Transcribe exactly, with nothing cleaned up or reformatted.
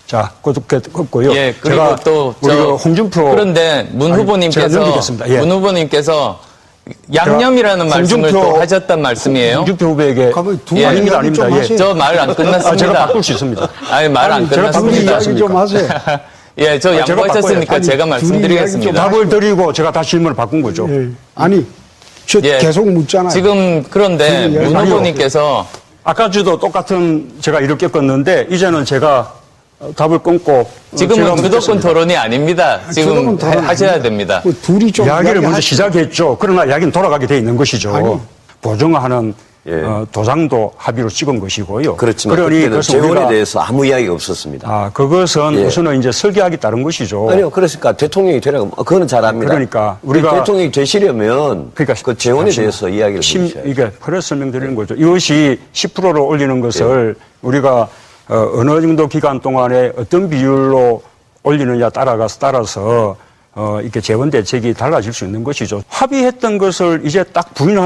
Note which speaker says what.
Speaker 1: 자, 그렇고요.
Speaker 2: 예, 그리고
Speaker 1: 제가
Speaker 2: 또
Speaker 1: 우리
Speaker 2: 저,
Speaker 1: 홍준표
Speaker 2: 그런데 문
Speaker 1: 아니,
Speaker 2: 후보님께서
Speaker 1: 제가 넘기겠습니다. 예.
Speaker 2: 문 후보님께서 양념이라는 말씀을
Speaker 1: 홍준표-
Speaker 2: 또 하셨단 말씀이에요.
Speaker 1: 홍준표 후보에게
Speaker 3: 가만히 두
Speaker 2: 예.
Speaker 1: 아닙니다,
Speaker 3: 이야기 좀
Speaker 1: 아닙니다. 예.
Speaker 3: 하세요.
Speaker 2: 저 말 안 끝났습니다.
Speaker 1: 아, 제가 바꿀 수 있습니다.
Speaker 2: 아니, 말 안
Speaker 1: 아니, 제가 바꿀 수
Speaker 2: 끝났습니다.
Speaker 3: 이야기 좀 하세요.
Speaker 2: 예, 저
Speaker 1: 아, 제가
Speaker 2: 양보하셨으니까
Speaker 3: 바꿔요.
Speaker 2: 제가
Speaker 3: 아니,
Speaker 2: 말씀드리겠습니다.
Speaker 1: 답을 드리고 제가 다시 질문을 바꾼 거죠.
Speaker 3: 예. 아니, 저
Speaker 2: 예.
Speaker 3: 계속 묻잖아요.
Speaker 2: 지금 그런데
Speaker 3: 지금
Speaker 2: 문
Speaker 1: 아니요.
Speaker 2: 후보님께서
Speaker 1: 아까 저도 똑같은 제가 이렇게 껐는데 이제는 제가 어, 답을 끊고 어, 제가
Speaker 2: 지금은 주도권
Speaker 1: 묻겠습니다.
Speaker 2: 토론이 아닙니다. 지금
Speaker 3: 주도권 토론
Speaker 2: 하- 하셔야
Speaker 3: 아닙니다.
Speaker 2: 됩니다.
Speaker 3: 그 둘이 좀
Speaker 1: 이야기를 먼저
Speaker 3: 이야기하시죠.
Speaker 1: 시작했죠. 그러나 이야기는 돌아가게 돼 있는 것이죠.
Speaker 3: 아니.
Speaker 1: 보증하는
Speaker 4: 예.
Speaker 1: 어, 도장도 합의로 찍은 것이고요.
Speaker 4: 그렇지만
Speaker 1: 그러니
Speaker 4: 그때는
Speaker 1: 그것은
Speaker 4: 재원에
Speaker 1: 우리가-
Speaker 4: 대해서 아무 이야기가 없었습니다.
Speaker 1: 아, 그것은
Speaker 4: 예.
Speaker 1: 우선은 이제 설계하기 따른 것이죠.
Speaker 4: 아니요, 그러니까 대통령이 되라고 그거는 잘 압니다.
Speaker 1: 그러니까 우리가-
Speaker 4: 대통령이 되시려면
Speaker 1: 그러니까
Speaker 4: 그 재원에
Speaker 1: 잠시만요.
Speaker 4: 대해서 이야기를
Speaker 1: 심,
Speaker 4: 해주셔야죠.
Speaker 1: 이게 그래서 설명드리는 거죠. 이것이 십 퍼센트로 올리는 것을 우리가 어, 어느 정도 기간 동안에 어떤 비율로 올리느냐 따라가서 따라서 어, 이렇게 재원 대책이 달라질 수 있는 것이죠. 합의했던 것을 이제 딱 부인하는